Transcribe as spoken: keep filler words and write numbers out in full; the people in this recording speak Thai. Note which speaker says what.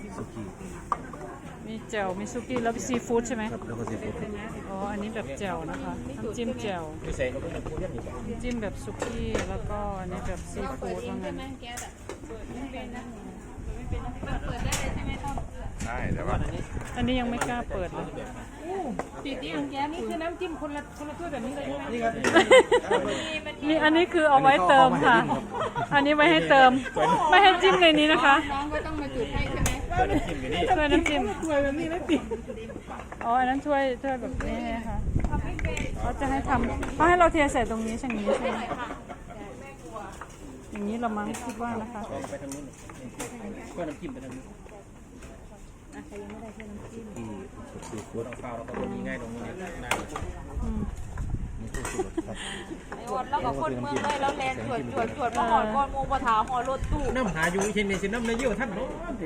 Speaker 1: สุกี้
Speaker 2: มีแจ่วมีซุกี้แล้วมีซีฟู้ดใช่ไหม
Speaker 1: ครับแล้วก็ซีฟู้ด
Speaker 2: อ๋ออันนี้แบบแจ่วนะคะน้ำจิ้มแจ่ว
Speaker 1: พิเศษก็เป็นน้ำพุเย็นอีก
Speaker 2: น้ำจิ้มแบบซุกี้แล้วก็อันนี้แบบซีฟู้ดว่างั้น
Speaker 1: ใช่แต่ว่า
Speaker 2: อันนี้ยังไม่กล้าเปิดเลย
Speaker 3: ปีที่อังแกนี่คือน้ำจิ้มคนละคนละถ้วยแบบนี้เลยใช่ไหม
Speaker 1: นี่ครับ
Speaker 2: นี่อันนี้คือเอาไว้เติมค่ะ อันนี้ไว้ให้เติม ไม่ให้จิ้มในนี้นะคะ
Speaker 3: น้องก็ต้องมาจุดให้ใช่ไหม
Speaker 1: ตัวน้ำจิ้มอยู่นี่
Speaker 2: ถ้วยน้ำจิ้ม
Speaker 3: ถ้วยแบบนี้ไม่ติด
Speaker 2: อ๋ออันนั้นถ้วยถ้วยแบบนี้นะคะเขาจะให้ทำเขาให้เราเทใส่ตรงนี้ใช่ไหมใช่ไหมอย่างนี้เรามั้งคิดว่านะคะ
Speaker 1: ไปทางนู้นตัวน้ำจิ้มไปทางนู้นซีฟู้ดเอาข้าวแล้วก็ตัวนี้ง่ายตรงนี้ง่าย
Speaker 2: อืม
Speaker 4: ไอ้วันแล้วก็คนเมืองเลยแล้วแลนสวดสวดสวดมาหอดก้อนงูปะถาหอดรถตู้
Speaker 1: น้ำหาอยู่เช่นในสิน้ำในเยี่ยวท่านเนาะ